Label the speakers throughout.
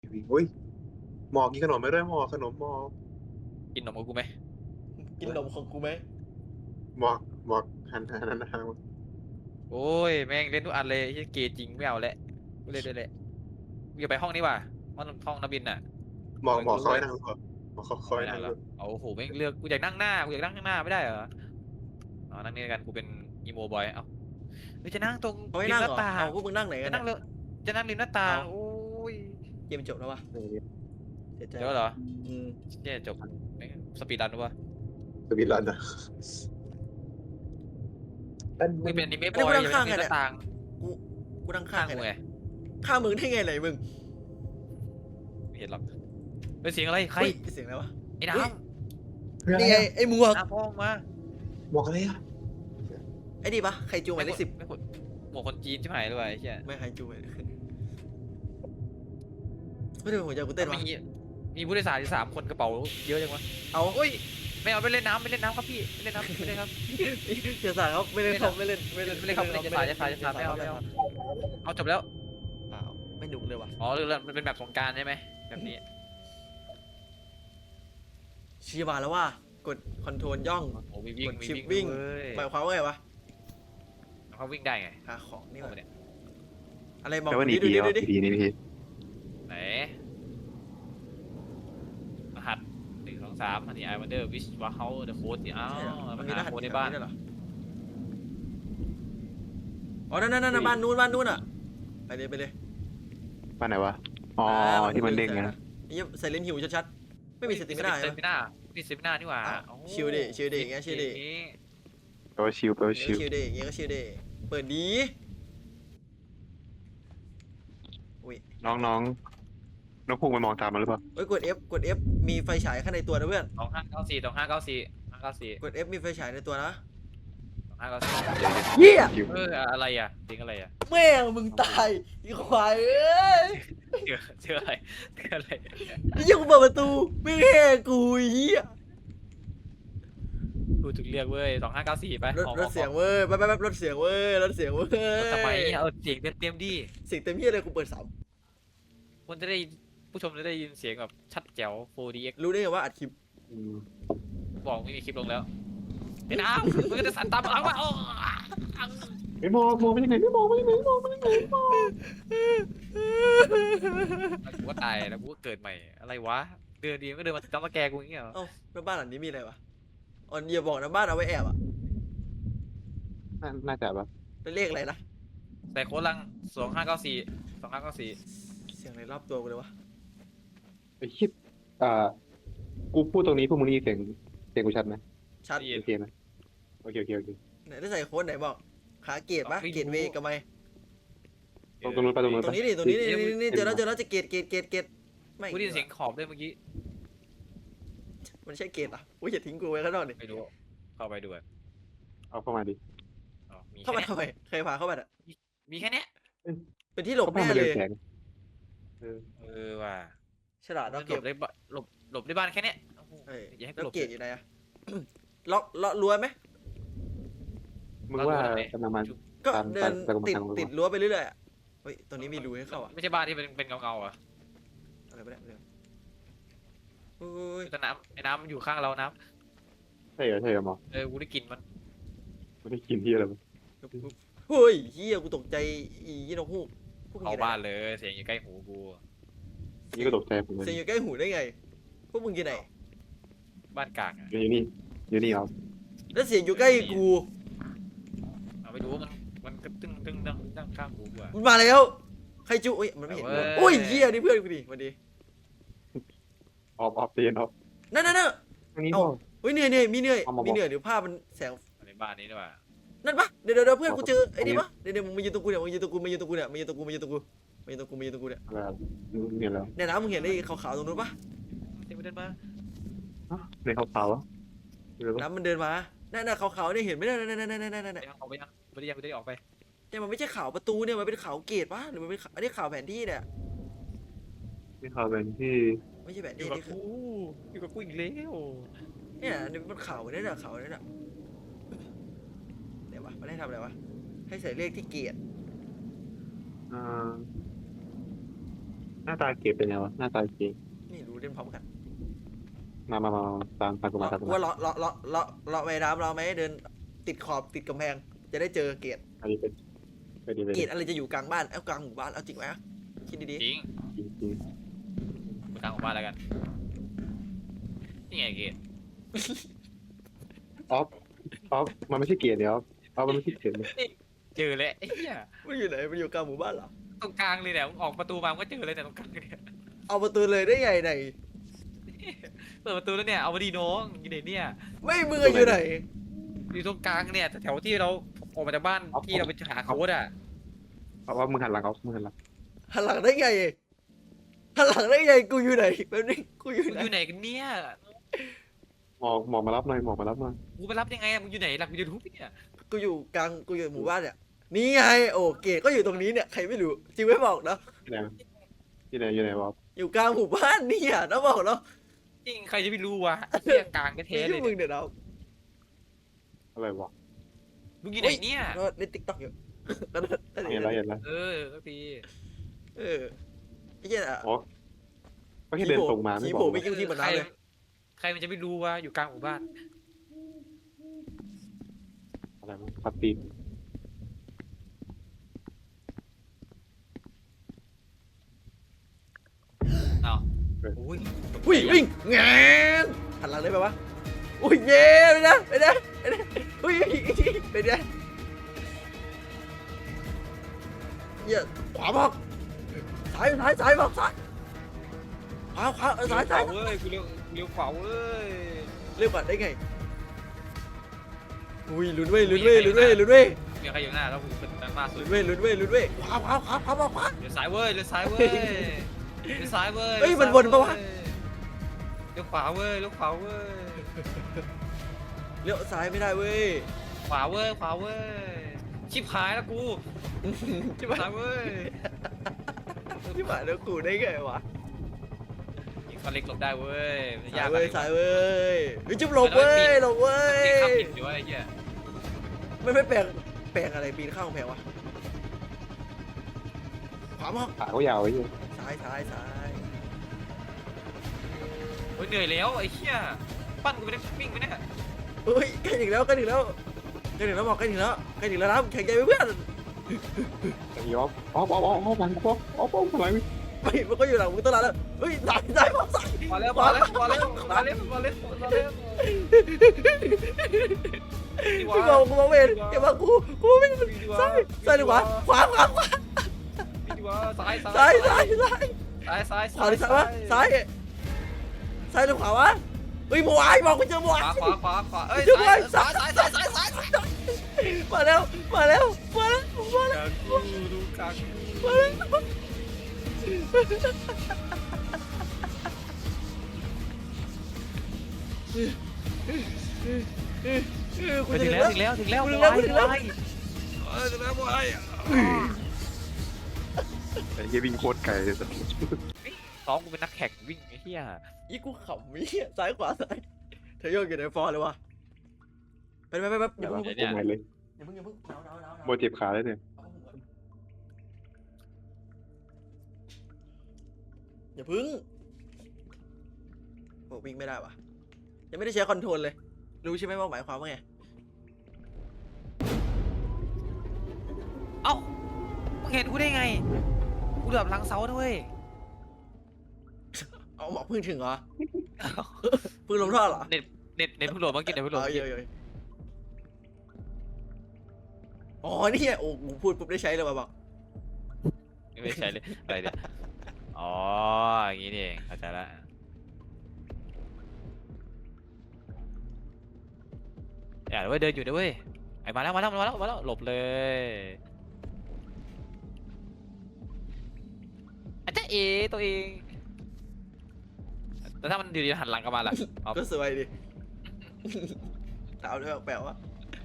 Speaker 1: อุ้ยหมอกินขนมไม่ได้หมอขนมหมอ
Speaker 2: กินนมกับกูไหม
Speaker 3: กินนมของกูไหม
Speaker 1: หมอกหมอกหัน
Speaker 2: โอ้ยแม่งเล่นทุกอันเลยไอ้เกย์จริงไม่เอาแล้วกูเล่นด้วยแหละกูจะไปห้องนี้ว่ะห้องนักบินน่ะ
Speaker 1: หมอกเขาให้นั่งหรือเปล่าหมอเขา
Speaker 2: ไม่
Speaker 1: ให้นั่งหรือ
Speaker 2: ได้หรอโอ้โหแม่งเลือกกูอยากนั่งหน้ากูอยากนั่งข้างหน้าไม่ได้เหรออ๋อนั่งนี่กันกูเป็นอีโมบอยเอ้าเฮ้ยจะนั่งตรง
Speaker 3: เขาให้
Speaker 2: ริม
Speaker 3: นั่ง
Speaker 2: หน้า
Speaker 3: เหรอ
Speaker 2: ต่าง
Speaker 3: เอาพวกมึงนั่งไหนกั
Speaker 2: จะ
Speaker 3: นเนี่ย
Speaker 2: นั่งเลยจะนั่งริมหน้าต่างโอ้ย
Speaker 3: เกมจบแล้ววะเสียใจ
Speaker 2: เดี๋ยวเหรอ
Speaker 3: อืม
Speaker 2: เนี่ยจบแม่งสปีดรันหรือวะ
Speaker 1: สวิตลันอ่ะ
Speaker 2: มึงเป็นอนิเมะบ
Speaker 3: อันนี้
Speaker 2: อย
Speaker 3: กูนั่
Speaker 2: อง ย่า
Speaker 3: ข้าง
Speaker 2: ไป
Speaker 3: ไง
Speaker 2: นั่งริมห
Speaker 3: เนี่ย
Speaker 2: น้าต่าง
Speaker 3: กูนั่งข้า
Speaker 2: ข้าง ง
Speaker 3: ไง
Speaker 2: กู
Speaker 3: เนี่
Speaker 2: ไง
Speaker 3: ยข้างมึงได้ไงไหนมึง
Speaker 2: ไม่เห็นหรอกเป็นเสียงอะไรใคร
Speaker 3: เฮ้ยเสียงอะไรวะ
Speaker 2: ไอ้น้
Speaker 3: นี่ไงไอ้หมวก
Speaker 2: ำน้ำพ่องมา
Speaker 1: หมอกอะไรอ่ะ
Speaker 3: ไอ้ดีปะใครจูงหมายเลข 10
Speaker 2: ไม่ขุดหมวกคนจีนใช่ไหมหรือเปล่าไอ้เหี้ย
Speaker 3: ไม่ใครจูงหมายเลขไม่ได้เป็นหัวใจกูเต้นวะ
Speaker 2: มีผู้โดยสารอยู่3 คนกระเป๋าเยอะจังวะ
Speaker 3: เอา
Speaker 2: โอ้ยไม่เอาไปเล่นน้ำครับพี่ไม่เล่นน้ำไม่เล่นครับ
Speaker 3: เสียสายครับไม่เล่นครับไม่เล่น
Speaker 2: ไม่เล่นครับไม่เล่นจะสายไม่เอาเอาจบแล้ว
Speaker 3: เปล่าไม่หนุกเลยว่ะ
Speaker 2: อ๋อเรื่องมันเป็นแบบสงกรารใช่ไหมแบบนี้
Speaker 3: ชี้มาแล้วว่ากดคอนโทรลย่อง
Speaker 2: โอ้มีวิ่ง
Speaker 3: กด
Speaker 2: มี
Speaker 3: ชิป
Speaker 2: วิ่ง
Speaker 3: วิ่ง
Speaker 2: เว้ย
Speaker 3: หมายความว่าไงวะ
Speaker 2: เขาวิ่งได้ไง
Speaker 3: หาของนี่
Speaker 2: เอา
Speaker 3: วะ
Speaker 2: เนี่ย
Speaker 3: อะไรบอก
Speaker 1: แปลว่าหนี
Speaker 3: ดู
Speaker 1: ผี
Speaker 3: ดิ
Speaker 1: เหรอ
Speaker 3: ดูดิ
Speaker 1: ผีนี่พี่
Speaker 2: ไหนรหัส1 2 3อันนี้ I wonder which was how the code เนี่ยอ้าว
Speaker 3: ใช่เหรอ
Speaker 2: มั
Speaker 3: มัน
Speaker 2: น
Speaker 3: มีร
Speaker 2: หา
Speaker 3: หัส
Speaker 2: โค้ดใน
Speaker 3: แบบ
Speaker 2: บ้าน
Speaker 3: ด้วยเหรออ๋อนั่นบ้านนู้นอ่ะไปเลย
Speaker 1: บ้านไหนวะอ๋อที่มันเด้งไงนะ
Speaker 3: ไอ้เหี้ยใส่เลนส์หิวชัดๆไม่มีสติไม่ได้
Speaker 2: เซมิน่ามีเซมิน่านี่หว่า
Speaker 3: อ้าว
Speaker 2: โอ้
Speaker 3: ชิลดิชิลดิอย่างเงี้ยชิลดิ
Speaker 1: แปลว่าชิวแปลว่าชิว
Speaker 3: ชิลเดย์อย่างเงี้ยก็ชิลเดย์เปิดดีอุ้ย
Speaker 1: น้องพุ่งไปมองตามมันหรือเปล่า
Speaker 3: เอ้ยกด F มีไฟฉายข้างในตัวนะเพื่อน
Speaker 2: 2594
Speaker 3: กด F มีไฟฉายในตัวนะ
Speaker 2: 2594
Speaker 3: เหี้ย
Speaker 1: ชิว
Speaker 2: อะไรอ่ะจริงอะไรอ่ะ
Speaker 3: แม่งมึงตายอีควายเอ้ย
Speaker 2: เจออะไร
Speaker 3: ไอ้เหี้ยกูเปิดประตูไม่แห่กูไอ้เหี้ย
Speaker 2: กูถูกเรียกเว้ย2594ไป
Speaker 3: รถเสียงเว้ยไปรถเสียงเว้ยรถเสียงเว้ย
Speaker 2: ทำไมเอาเสียงเต็มดิ
Speaker 3: เสียงเต็มเหี้ยเลยกูเปิดสาม
Speaker 2: คนจะได้ผู้ชมจะได้ยินเสียงแบบชัดแจ๋ว 4DX
Speaker 3: รู้ได้ไงว่าอัดคลิป
Speaker 2: บอกไม่มีคลิปลงแล้วไอ้น้ำมึงก็จะสั่นตามหลังว่าโอ้
Speaker 1: ไม่มองไปยังไงไม่มองไปยังไงไม่มองไปยังไงไม่มอง
Speaker 2: กูก็ตายแล้วกูก็เกิดใหม่อะไรวะเดินดีก็เดินมาจ้ำตะแกกูอย่างเงี้ยเหรอ
Speaker 3: เอ้าแล้วบ้านหลังนี้มีอะไรวะอ๋ออย่าบอกนะบ้านเอาไว้แอบอ่ะ
Speaker 1: น่าจะแบบ
Speaker 3: เป็นเลขอะไรนะ
Speaker 2: ใส่โค้ดลัง2594
Speaker 3: เสียงอะไรรอบตัวกูเลยวะ
Speaker 1: ไอ้คิดกูพูดตรงนี้พวกมึงได้ยินเสียงกูชัดไหม
Speaker 3: ชัด
Speaker 2: ได้ยิน
Speaker 1: โอเคไหมโอเค
Speaker 3: ไหนได้ใส่โค้ดไหนบอกขาเกตปะ
Speaker 2: ไม่รู้
Speaker 3: เกตเวกับไม
Speaker 1: ตรงนู้นไปตรงนู้น
Speaker 3: ตรงนี้ดิตรงนี้นี่เจอแล้วจะเกตไม่
Speaker 2: กูได้ยินเสียงขอบด้วยเมื่อกี้
Speaker 3: มันใช่เกตอ่ะอุ้ยอย่าทิ้งกูไว้ข้างนอกดิ
Speaker 2: ไม่รู้เข้าไปดูอ่ะ
Speaker 1: เอาเข้ามาดิ
Speaker 2: อ๋อมี
Speaker 3: เข้า
Speaker 2: แค่
Speaker 3: มา
Speaker 2: เนี้ย
Speaker 3: ทำไมใครพาเข้ามาอ่ะ
Speaker 2: มีแค่เนี้ย
Speaker 3: เป็นที่หลบ
Speaker 1: เข้ามา
Speaker 3: แน่
Speaker 1: เรื
Speaker 3: เล
Speaker 1: อง
Speaker 3: ย
Speaker 1: แสง
Speaker 2: ว่ะ
Speaker 3: ฉลาด
Speaker 2: หล
Speaker 3: เราเก็บบ
Speaker 2: ได้หลบได้บ้านแค่เนี้ยโอ้โห
Speaker 3: เอ้ย
Speaker 2: อย่าให้กู
Speaker 3: แล้ว
Speaker 2: หลบ
Speaker 3: เกตอยู่ไหนอะล็อกรั้วไหม
Speaker 1: มึงว่ากำลังมัน
Speaker 3: ก็
Speaker 1: ตาม
Speaker 3: เดิน
Speaker 1: ตาม
Speaker 3: ติดรั้วไปเรื่อยๆอะเฮ้ยตรงนี้มีรูให้เข้าอ่ะ
Speaker 2: ไม่ใช่บ้านที่เป็นเงาๆอ่ะ
Speaker 3: อะไรไปเนี่ยโอ้ย
Speaker 2: แต่ไอ้น้ำอยู่ข้างเราน้
Speaker 1: ใช่เหรอหมอ
Speaker 2: ำกูได้กลิ่นมัน
Speaker 1: ไม่ได้กินที่อะไรมั้ง
Speaker 3: เฮ้ยเฮียกูตกใจอียี่นกฮูกพวกมึง
Speaker 2: เข้า
Speaker 3: อยู่ไหน
Speaker 2: บ้านเลยเสียงอยู่ใกล้หูกู
Speaker 1: นี่ก็ตกใจผมเลย
Speaker 3: เสียงอยู่ใกล้หูได้ไงพวกมึงอยู่ไหน
Speaker 2: บ้านกลางอ่ะ
Speaker 1: อยู่นี่ครับ
Speaker 3: แล้วเสียงอยู่ใกล้กู
Speaker 2: เอาไปดูว่ามันก็ตึ้งดังข้างหูกูอ่ะ
Speaker 3: มันมาแล้วใครจูอุ้ยมันไม่เห็น
Speaker 2: เว้ย
Speaker 3: โอ้ยเฮียนี่เพื่อนกูดิสวัสดี
Speaker 1: ออฟเตียนออฟ
Speaker 3: นั่น
Speaker 1: ตรงนี้
Speaker 3: เอ้า
Speaker 1: พ่อ
Speaker 3: เฮ้ยเหนื่อยมีเหนื่อย
Speaker 1: เอามาบอก
Speaker 3: มีเหนื่อยเดี๋ยวภาพมันแสง
Speaker 2: ในบ้านนี้ด้วยว่ะ
Speaker 3: นั่นปะเดี๋ยวเพื่อนกูเจอไอ้นี่
Speaker 1: เอา
Speaker 3: ปะเดี๋ยวมึงมายืนตรงกูเนี่ยมึงยืนตรงกูมายืนตรงกูเนี่ยมายืนตรงกูมายืนตรงกูมายืนตรงกูมายืนตรงกูเนี่ย
Speaker 1: เนี่ยแล้ว
Speaker 3: เนี่ยนะมึงเห็นไอ้ขาวๆตรงนู้นปะ
Speaker 2: เดินมา
Speaker 1: ในขาวๆอ่ะ
Speaker 3: น้ำมันเดินมานั่นขาวๆเนี่ยเห็นไหมนั่น
Speaker 2: ยังออกไปยังไม่ได้ออกไป
Speaker 3: เนี่ยมันไม่ใช่ขาวประตูเนี่ยมันเป็นขาวเกตปะหรือมันเป็นอันนี้ขาวแผนที่เนี่ย
Speaker 1: นี่ขาวเป็นที่
Speaker 3: ไม่ใช่แผน
Speaker 2: อ
Speaker 3: ที่
Speaker 2: ยู่กับ
Speaker 3: นี่คือ
Speaker 2: กูอยู่กับกูอีกแล้ว
Speaker 3: เนี่ยนี่มันขาวเนี่ยขาวเนี่ยเดี๋ยววะมันให้ทำอะไรวะให้ใส่เลขที่เกต
Speaker 1: อ่าหน้าตาเกมเป็นไงวะหน้าตาเกม
Speaker 3: ไม่รู้เล่นพร้อมกัน
Speaker 1: มาตามกูมาตามกู
Speaker 3: ว่า
Speaker 1: มา
Speaker 3: เลาะไปน้ำเราไหมเดินติดขอบติดกำแพงจะได้เจอเกต
Speaker 1: อันนี้เป็นไปดี
Speaker 3: เกตอะไรจะอยู่กลางบ้านเอากลางหมู่บ้านเอาจริงไหมคิดดี
Speaker 2: จริง
Speaker 1: จริง
Speaker 2: ไปทางของบ้านแล้วกันนี่ไงเกต
Speaker 1: ออฟมันไม่ใช่เกียร์เดียวออฟมันไม่ใช่เกียร์เลย
Speaker 2: เจอแล้วไอ้เหี้ย
Speaker 3: ๆมันอยู่ไหนมันอยู่กลางหมู่บ้านเหรอ
Speaker 2: ตรงกลางเลยเนี่ยมึงออกประตูมามึงก็เจอเลยแต่ยตรงกลางเนี่ย
Speaker 3: เอาประตูเลยได้ไงไหน
Speaker 2: เปิดประตูแล้วเนี่ยเอามาดีน้องอยู่ไหนเนี่ย
Speaker 3: ไม่มืออยู่ไหน
Speaker 2: อยู่ตรงกลางเนี่ยแถวที่เราออกมาจากบ้านที่เราไปหาโค้ดอ่ะ
Speaker 1: เพราะว่ามึงหันหลังเขามึงหันหลัง
Speaker 3: หันหลังได้ไงหันหลังได้ไงกูอยู่ไหนแป๊บนึงกูอยู่
Speaker 2: มึง
Speaker 3: ไหน
Speaker 2: อยู่ไหนกันเนี่ย
Speaker 1: หมอมารับหน่อยหมอมารับหน่อย
Speaker 2: กูไปรับยังไงอะมึงอยู่ไหนหลักวิดีโอทุบเนี่ย
Speaker 3: กูอยู่กลางกูอยู่หมู่บ้านเนี่ยนี่ไงโอ้เกตก็อยู่ตรงนี้เนี่ยใครไม่รู้จริงไม่บอกนะ
Speaker 1: อยู่ไหนวะ
Speaker 3: อยู่กลางหมู่บ้านเนี่ยนะบอกเนาะ
Speaker 2: จริงใครจะไปรู้วะเที่ยกลางก็เท
Speaker 3: ไม่
Speaker 2: เล
Speaker 3: ใช่
Speaker 2: ย
Speaker 3: มึ
Speaker 2: เนี่ย
Speaker 3: งเดี๋ยวเรา
Speaker 1: อะไรวะ
Speaker 2: มึงอยู่ไหนเนี่ย
Speaker 3: ก็เล่นติ๊กต็อกอยู่ก็นั่น
Speaker 1: เห็นแล้ว
Speaker 2: เออสักที
Speaker 3: เออไอ้เหี้ย
Speaker 1: อ๋อก็แค่เดินตรงมาไม่
Speaker 3: ขี่
Speaker 1: บอ
Speaker 3: โผล่
Speaker 1: ก
Speaker 3: ไปกิ้งที่บนน้ำเลย
Speaker 2: ใครมันจะไปรู้วะอยู่กลางหมู่บ้าน
Speaker 1: อะไรปัดตีน
Speaker 2: เอาอุ้ย
Speaker 3: วิ่งวิ่งแงนหันหลังได้ไหมวะอุ้ยเย่ไปนะไปนะไปนะอุ้ยไปนะเหี้ยขวาบอกซ้ายบอกซ้ายขวาซ้าย
Speaker 2: เลี้ยวข
Speaker 3: ซ้า
Speaker 2: วาย เว้ยกูเลี้ยวขวาเว้ย
Speaker 3: เรียกบัตรได้ไงอุ้ยลุ้นเว้ย
Speaker 2: มีใครอยู่หน้าแล้วกูเป็นด้านหน้าสุด
Speaker 3: ลุ้นเว้ยขวาบอกขวา
Speaker 2: เลี้ยวซ้ายเว้ยเลี้ยวซ้ายเว้ยเลี้ยวซ้ายเว้ย
Speaker 3: เฮ้ยมันวนปะวะ
Speaker 2: เลี้ยวขวาเว้ยเลี้ยวขวาเว้ย
Speaker 3: เลี้ยวซ้ายไม่ได้เว้ย
Speaker 2: ขวาเว้ยขวาเว้ยชิบหายแล้วกูชิบหายเว้ย
Speaker 3: ที่ผ่านแล้วกูได้ไงวะ
Speaker 2: ยิงฟันเล็กหลบได้เว้ยมันยาก
Speaker 3: สายเว้ยวิจุบหลบเว้ย
Speaker 2: ตีข้ามผิดอยู่วะไอ้เหี้ย
Speaker 3: ไม่แปลงอะไรปีนข้างกำแพงวะขวาบอก
Speaker 1: ขาเขายาวไอ้เหี้ย
Speaker 3: ซ้าย
Speaker 2: โอ้ยเหนื่อยแล้วไอ้เหี้ยปั้นกูไปได้วิ่งไปเนี่ย
Speaker 3: เฮ้ยใกล้ถึงแล้วบอกใกล้ถึงแล้วนะแข่งใจเพื่อน
Speaker 1: อย่างนี้ออฟหลังออฟหลัง
Speaker 3: ไม่มันก็อยู่หลังมึงตั้งนานแล้วเฮ้ยซ้ายบอกซ้าย
Speaker 2: มาแล้ว
Speaker 3: พี่บอกกูมองเวรอย่ามากูไม่ซ้ายหรือขวาซ้ายหรือขวาวะเฮ้ยบัวไอ้บอกกูเจอบัว
Speaker 2: ขวาเอ้ยซ้าย
Speaker 3: มาแล้ว
Speaker 2: ดูกลาง
Speaker 3: กู
Speaker 2: ถึ
Speaker 3: จะ
Speaker 2: งแล้วบอย
Speaker 1: ไอ้เหี้ยวิ่งโคตรไกลเลย
Speaker 2: ซ้อมกูเป็นนักแข่งวิ่งไอ้เหี้ย
Speaker 3: ยี่กูขำมีซ้ายขวาซ้ายเธอโยกอยู่ในฟอร์เลยวะไปอย่าเพิ่ง
Speaker 1: ผมไงเลย
Speaker 3: หนาว
Speaker 1: โมเจ็บขาเลยเนี่ย
Speaker 3: อย่าพึ่งโอ้วิ่งไม่ได้วะยังไม่ได้ใช้คอนโทรลเลยรู้ใช่ไหมว่าหมายความว่าไง
Speaker 2: เอ้ามึงเห็นกูได้ไงกูเหลือบหลังเสาด้วย
Speaker 3: เอาหมอกพึ่งถึงเหรอพึ่งลงท่อเหรอ
Speaker 2: เน็ตเพิ่งโหลดเมื่อกี้เน็ตเพิ่งโหลด
Speaker 3: เยอะอ๋อนี่โอ้กูพูดปุ๊บได้ใช้เลยว่ะบอก
Speaker 2: ไม่ใช่เลยอะไรเนี่ยอ๋ออย่างงี้นี่เองเข้าใจละอย่าเดินอยู่ด้วยไอ้มาแล้วหลบเลยอาจจะตัวเองแต่ถ้ามันอยู่ดีหันหลังกลับมาล่ะ
Speaker 3: ก็สวยดิถามด้วยแปลว่า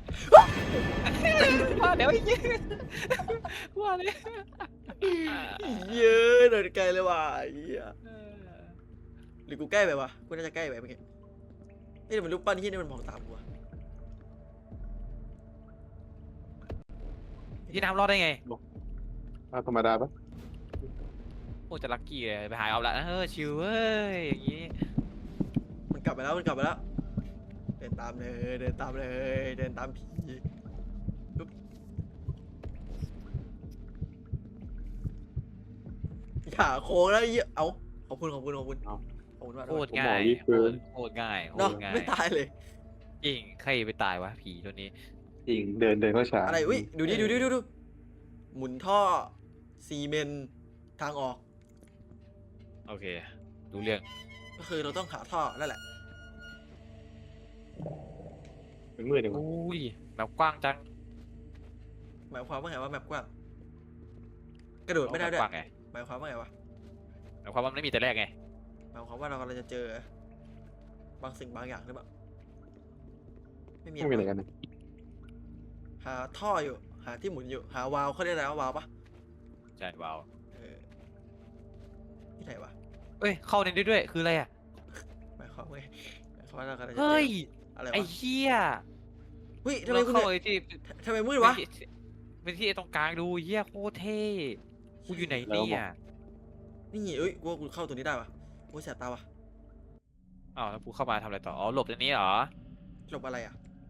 Speaker 2: ว่าเดี๋ยวอีกว่าเลย
Speaker 3: เยอะเดินไกลเลยว่ะเหี้ยหรือกูใกล้ไปวะกูน่าจะใกล้ไปเมื่อกี้นี่มันรูปปั้นที่นี่มันมองตามกูวะ
Speaker 2: พี่น้ำรอดได้ไง
Speaker 1: ธรรมดาปะ
Speaker 2: โอ้จะลัคกี้เลยไปหาเอาละชิวเว้ยอย่างงี้
Speaker 3: มันกลับไปแล้วมันกลับไปแล้วเดินตามเลยเดินตามเลยเดินตามผีปึ๊บอย่าโค้งแล้วไอ้เหี้ยเอาขอบคุณขอบคุณขอบคุณขอบคุณมาก
Speaker 2: โคตรง่ายโคตรง่ายโค
Speaker 3: เนาะ
Speaker 2: ตรง่าย
Speaker 3: ไม่ตายเลย
Speaker 2: จริงใครไปตายวะผีตัวนี้
Speaker 1: จริงเดินเข้าฉาก
Speaker 3: อะไรอุ้ยดูดิดูดิดูดูหมุนท่อซีเมนต์ทางออก
Speaker 2: โอเครู้เรื่อง
Speaker 3: ก็คือเราต้องหาท่อนั่นแหละ
Speaker 1: เป็นมืดจังวะ
Speaker 2: อุ้ยแบบกว้างจัง
Speaker 3: หมายความว่าไงว่าแมปกว้างกระโดดไม่ได้ด้วย
Speaker 2: กว้างไง
Speaker 3: หมายความว่าไงวะ
Speaker 2: หมายความว่ามันไม่มีแต่แรกไง
Speaker 3: หมายความว่าเรากำลังจะเจอบางสิ่งบางอย่างหรือเปล่าไม่มี
Speaker 1: ไม่มีอะไรกันนะ
Speaker 3: หาท่ออยู่หาที่หมุนอยู่หาวาล์วเขาเรียกอะไรว่าวาล์วปะ
Speaker 2: ใช่ว้าว
Speaker 3: เออที่ไหนวะ
Speaker 2: เอ้ยเข้าในด้วยคืออะไรอ่ะ
Speaker 3: หมายความว่าไงหมายความว่าเรากำลังจะเจ
Speaker 2: เฮ้ย
Speaker 3: อะไร
Speaker 2: ไอ้
Speaker 3: วะ
Speaker 2: เหี้ย
Speaker 3: เฮ้ยทำไม
Speaker 2: เรา
Speaker 3: คุณ
Speaker 2: เข้า
Speaker 3: เนี่ย
Speaker 2: ไอ้ที่
Speaker 3: ทำไมมืดวะ
Speaker 2: เป็นที่ไอ้ตรงกลางดูเหี้ยโคตรเท่กูอยู่ไหนเนี่ย
Speaker 3: นี่เอ้ยกูว่ากูเข้าตัวนี้ได้ปะโอ้ยแสบตาวะ
Speaker 2: อ้าวแล้วกูเข้ามาทำอะไรต่ออ๋อหลบตรงนี้เหรอ
Speaker 3: หลบอะไรอ่ะ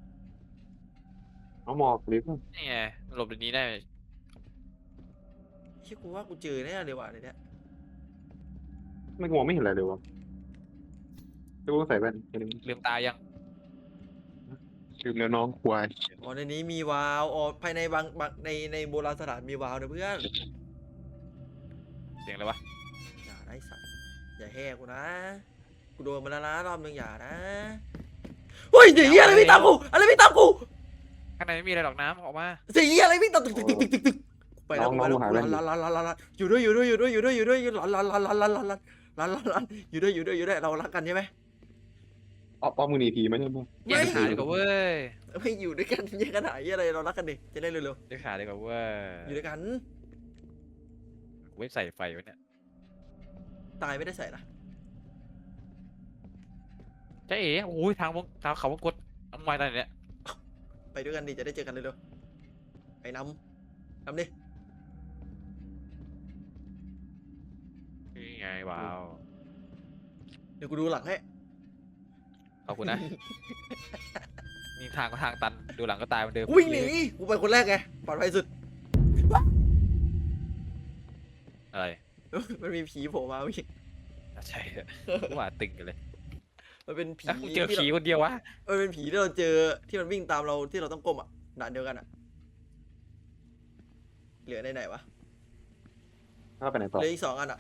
Speaker 1: เอาหมอกลิฟต์
Speaker 2: นี่ไงหลบตรงนี้ได้
Speaker 3: เฮ้ยกูว่ากูเจอแน่เลยว่ะเดี๋ยวเนี้ย
Speaker 1: ไม่มองไม่เห็นอะไรเลยวะแล้วกูต้องใส่แว่นแค่นี้
Speaker 2: ลืมตายัง
Speaker 1: ลืมแล้วน้องควาย
Speaker 3: อ๋อในนี้มีวาล์วอ๋อภายในบางในโบราณสถานมีวาล์วนะเพื่อน
Speaker 2: เสียงอะไรวะ
Speaker 3: อย่าได้สัตว์อย่าแห่กูนะกูโดนมาแล้วนะรอบนึงอย่านะเฮ้ยเสียงเหี้ยอะไรวิ่งตามกูอะไรวิ่งตามกู
Speaker 2: ข้างในไม่มีอะไรหรอกน้ำออกมา
Speaker 3: เสียงเหี้ยอะไรวิ่งตามตึกตึกตึกตึกตึกตึกไปแล้วไปแล้วลันอยู่ด้วยอยู่ด้วยอยู่ด้วยอยู่ด้วยอยู่ด้วยลันอยู่ด้วยอยู่ด้วยอยู่ด้วยเรารักกันใช่ไหม
Speaker 1: อ้อมมือหนีผีไหมใช่ไหม
Speaker 2: แยกขาดีกว่าเว้ย
Speaker 3: ไม่อยู่ด้วยกันแยกกันหายอะไรเรารักกันดิจะได้เร็ว
Speaker 2: แยกขาดีกว่าเว้ย
Speaker 3: ๆอยู่ด้วยกัน
Speaker 2: เว็บใส่ไฟไว้เนี่ย
Speaker 3: ตายไม่ได้ใส่นะ
Speaker 2: เจ๊เอ๋โอ้ยทางเขาวงกดทำไมตอนเนี้ย
Speaker 3: ไปด้วยกันดิจะได้เจอกันเร็วๆไอ้นำดิ
Speaker 2: นี่ไงว้าว
Speaker 3: เดี๋ยวกูดูหลังให้
Speaker 2: ขอบคุณนะนี่ทางก็ทางตันดูหลังก็ตายเหมือนเดิม
Speaker 3: วิ่งหนีกูไปคนแรกไงปลอดภัยสุด
Speaker 2: อะไร
Speaker 3: มันมีผีโผล่มาวิ่ง
Speaker 2: ใช่กูว่าตึงกันเลย
Speaker 3: มันเป็นผี
Speaker 2: แล้วกูเจอ
Speaker 3: ที่
Speaker 2: ผีคนเดียววะ
Speaker 3: มันเป็นผีที่เราเจอที่มันวิ่งตามเราที่เราต้องก้มอ่ะด่านเดียวกันอ่ะเหลือในไหนวะ
Speaker 1: ถ้าไปไหน
Speaker 3: เห
Speaker 1: ต่อ
Speaker 3: ลืออีก2 อันอ่ะ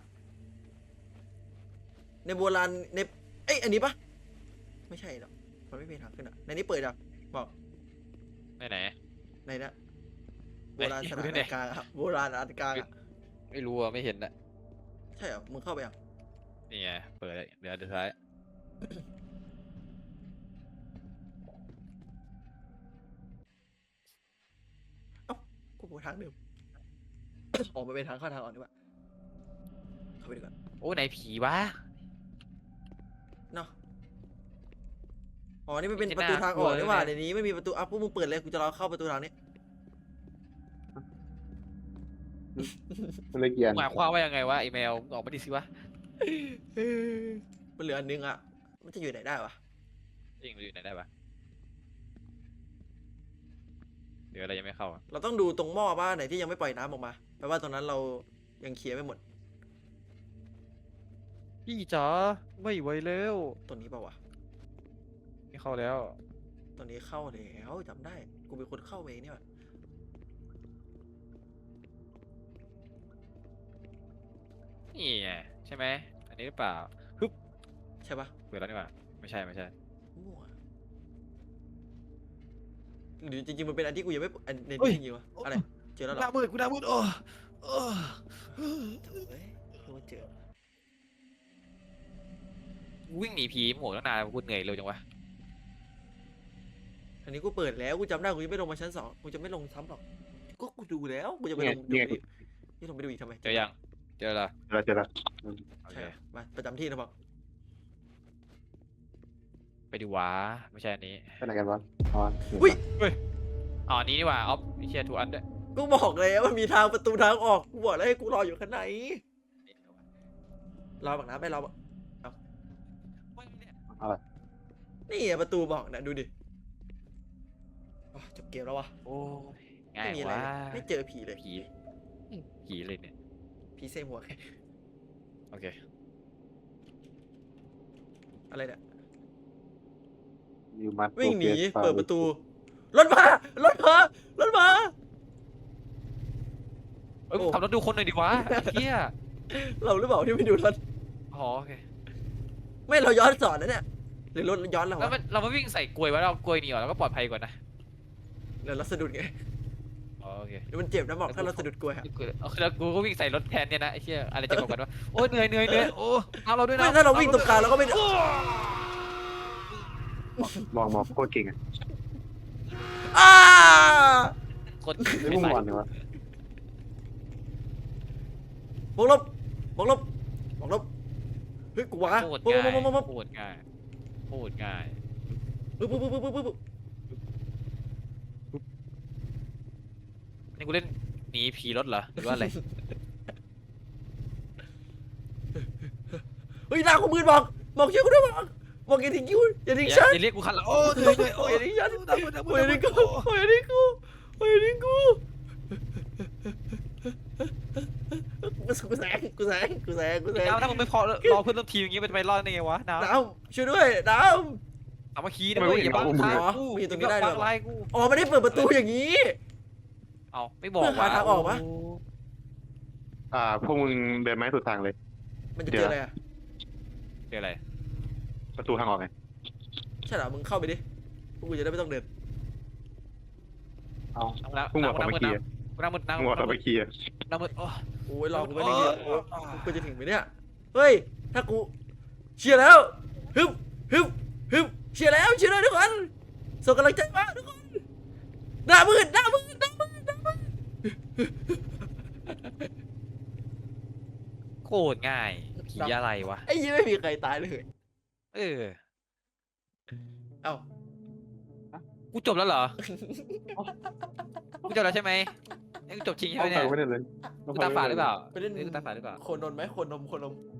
Speaker 3: ในโบราณในเอ้ยอันนี้ปะไม่ใช่หรอกมันไม่มีทางขึ้นอ่ะในนี้เปิดอ่ะบอก
Speaker 2: ไหน
Speaker 3: ในนะโบราณสถานอันกลางอะโบราณอันกลางอะ
Speaker 2: ไม่รู้อ่ะไม่เห็นอ่ะ
Speaker 3: ใช่เหรอมึงเข้าไปอ่ะ
Speaker 2: นี่ไงเปิดเลยเดี๋ยวสุดท้าย
Speaker 3: กูไปทางเดิม ออกมาเป็นทางเข้าทางออกดีกว่าเข้าไปดีกว่า
Speaker 2: โอ้ไหนผีวะ
Speaker 3: เนาะอ๋อนี่มันเป็นประตูทางออกนี่หว่าในนี้ไม่มีประตูอ่ะพวกมึงเปิดเลยกูจะรอเข้าประตูทางนี้
Speaker 1: มันเลยเกียน
Speaker 2: หมายความว่ายังไงวะไอแมวมึงออกมาดิสิวะ
Speaker 3: มันเหลืออันนึงอ่ะมันจะอยู่ไหนได้วะ
Speaker 2: จริงมันอยู่ไหนได้ปะเดี๋ยวอะไรยังไม่เข้าอะ
Speaker 3: เราต้องดูตรงหม้อบ้านไหนที่ยังไม่ปล่อยน้ำออกมาแปลว่าตรงนั้นเรายังเคลียร์ไม่หมด
Speaker 2: พี่จ๋าไม่ไหวแล้ว
Speaker 3: ตัวนี้เปล่าวะ
Speaker 2: ไม่เข้าแล้ว
Speaker 3: ตัวนี้เข้าแล้วจำได้กูเป็นคนเข้าเองนี่หว่า
Speaker 2: นี่ไงใช่ไหมอันนี้หรือเปล่า
Speaker 3: ใช่ปะ
Speaker 2: เปิดแล้วนี่หว่าไม่ใช่
Speaker 3: มั่วหรือจริงๆมันเป็นอันที่กูยังไม่อันใน
Speaker 2: เฮ้ย
Speaker 3: ที่จริงๆวะอะไรเจอแล้วเหร
Speaker 2: ห
Speaker 3: อ
Speaker 2: น้ามืดกูหน้ามืดโอ้
Speaker 3: โถ่เอ้ยกูว่าเจอ
Speaker 2: วิ่งหนีผีหมวกตั้งนานกูเหนื่อยเร็วจังวะ
Speaker 3: อันนี้กูเปิดแล้วกูจำได้กูยังไม่ลงมาชั้น2กูจะไม่ลงซ้ำหรอกก็กูดูแล้วกูจะไปลงดูอีกนี่ลงไปดูอีกทำไม
Speaker 2: เจอยังเจอละ
Speaker 1: เจอแล้ว
Speaker 2: โอเค
Speaker 3: ใช่เหรอมาประจำที่นะบอก
Speaker 2: ไปดูวะไม่ใช่อันนี้
Speaker 1: ไปไหนกันวะอ๋อ
Speaker 2: อ๋ออันนี้นี่หว่าออฟเชียร์ทูอันด้วย
Speaker 3: กูบอกแล้วมันมีทางประตูทางออกกูบอกแล้วให้กูรออยู่ข้างใน
Speaker 2: น
Speaker 3: รอบักนะไปรอบัก
Speaker 1: อะไร
Speaker 3: นี่อะประตูบอกนะดูดิอ๋อจบเกมแล้ววะ
Speaker 2: โอ้ยง่า
Speaker 3: ไม่
Speaker 2: ย
Speaker 3: มีอะไร
Speaker 2: วะ
Speaker 3: ไม่เจอผีเลย
Speaker 2: ผีเลยเนี่ย
Speaker 3: ผีเซหัวแค่
Speaker 2: โอเค
Speaker 3: อะไรเนี่ย
Speaker 1: You must
Speaker 3: วิ่งหนี
Speaker 1: progress
Speaker 3: เปิดประตูรถมารถมารถมา
Speaker 2: เอ้ย
Speaker 3: โอ้
Speaker 2: ขับรถดูคนหน่อยดิวะไอ้เฮีย
Speaker 3: เราหรือเปล่าที่ไม่ดูรถ
Speaker 2: อ๋อโอเค
Speaker 3: ไม่เราย้อนสอนนะเนี่ยหรือรถย้อนเรา
Speaker 2: แล้ว
Speaker 3: วะ
Speaker 2: มันเราไม่วิ่งใส่กลวยไว้เรากลวยหนีออกแล้วก็ปลอดภัยกว่านะ
Speaker 3: เดี๋ยวเราสะดุดไง
Speaker 2: อ๋อโอเค
Speaker 3: เดี๋ยวมันเจ็บนะบอกถ้าเราสะดุดกลวยอะ
Speaker 2: เอาแล้วกูก็วิ่งใส่รถแทนเนี่ยนะไอ้เหี้ยอะไรจะบอกกันวะโอ้ยเหนื่อยโอ้เอาเราด้วยนะ
Speaker 3: ไม่ถ้าเราวิ่งตรงกลางเราก็ไม่
Speaker 1: มองโคตรเก่งอ่ะ
Speaker 3: อ้า
Speaker 2: คน
Speaker 1: ไม่
Speaker 2: ไม่
Speaker 1: มุ่ง
Speaker 2: ใส่
Speaker 1: วันเลยวะ
Speaker 3: บวกลบบวกลบบวกลบเฮ้ยกูวะ
Speaker 2: โคตร
Speaker 3: ปุ๊บ
Speaker 2: ง่าย
Speaker 3: ปุ๊บปุ๊บปุ๊บ
Speaker 2: โคตรง่ายโคตรง่าย
Speaker 3: ปุ๊บปุ๊บปุ๊บปุ๊บปุ๊บปุ๊บ
Speaker 2: นี่กูเล่นหนีผีรถเหรอหรือว่าอะไร
Speaker 3: เฮ้ยหน้ากูมืดบอกเชื่อกูด้วยบอกอย่าทิ้งกูอย่าทิ้ง
Speaker 2: อย่า
Speaker 3: ฉัน
Speaker 2: อย่าเรียกกูคันละโอ้เหนื่อยโอ้ย
Speaker 3: อย่าทิ้งฉัน
Speaker 2: ตามมือตามมือ
Speaker 3: อย่าทิ้งกูอย่าทิ้งกูอย่าทิ้งกูกูแซง
Speaker 2: น้ำถ้ามึงไม่พอรอเพื่อนร่วมทีมอย่างงี้มันจะไปรอดได้ไงวะน้ำ
Speaker 3: น้ำช่วยด้วยน้
Speaker 2: สามัคคีนะเว้ยอย่าบังทางกู
Speaker 3: มีตรงนี้ได้ด้วย
Speaker 2: บังไล่กู
Speaker 3: ำอ๋อไม่ได้เปิดประตูอย่างนี้
Speaker 2: เอาไม่บอก
Speaker 3: เพื่อหา
Speaker 2: ว่า
Speaker 3: ทางออกวะ
Speaker 1: พวกมึงเดินไม้สุดทางเลย
Speaker 3: มันจะเจออะไรอ่ะ
Speaker 2: เดี๋ยวอะไร
Speaker 1: ประตูทางออกไง
Speaker 3: ใช่เหรอมึงเข้าไปดิพวกกูจะได้ไม่ต้องเดิน
Speaker 1: เอา
Speaker 2: นั่ง
Speaker 1: พวกมึง
Speaker 2: นั่
Speaker 1: บอก
Speaker 2: ง
Speaker 1: ไป
Speaker 2: มืด
Speaker 1: เคลียร์
Speaker 2: นั่งมืดนั่ง
Speaker 1: มึงบอกไปเคลียร์
Speaker 2: นั่งมืดโอ้
Speaker 3: โอ้ยรอกูไม่ได้เยอะกูจะถึงไหมเนี่ยเฮ้ยถ้ากูเชียร์แล้วฮึบเชียร์แล้วทุกคนส่งกำลังใจมาทุกคนหน้ามืด
Speaker 2: โคตรง่ายผีอะไรวะ
Speaker 3: ไอ้ยี่ไม่มีใครตายเลย
Speaker 2: เออ
Speaker 3: เอ้า
Speaker 2: กูจบแล้วเหรอ กูจบแล้วใช่ไหมไอ้กูจบจริงใช่ไหม
Speaker 1: เอา
Speaker 2: เนี่ย
Speaker 1: ไปไม่ได้เลย
Speaker 2: กูตาฝาดหรือเปล่า
Speaker 3: ไปเล่น
Speaker 2: กูตาฝาดหรือเปล่า
Speaker 3: โคนนมไหมโคนนม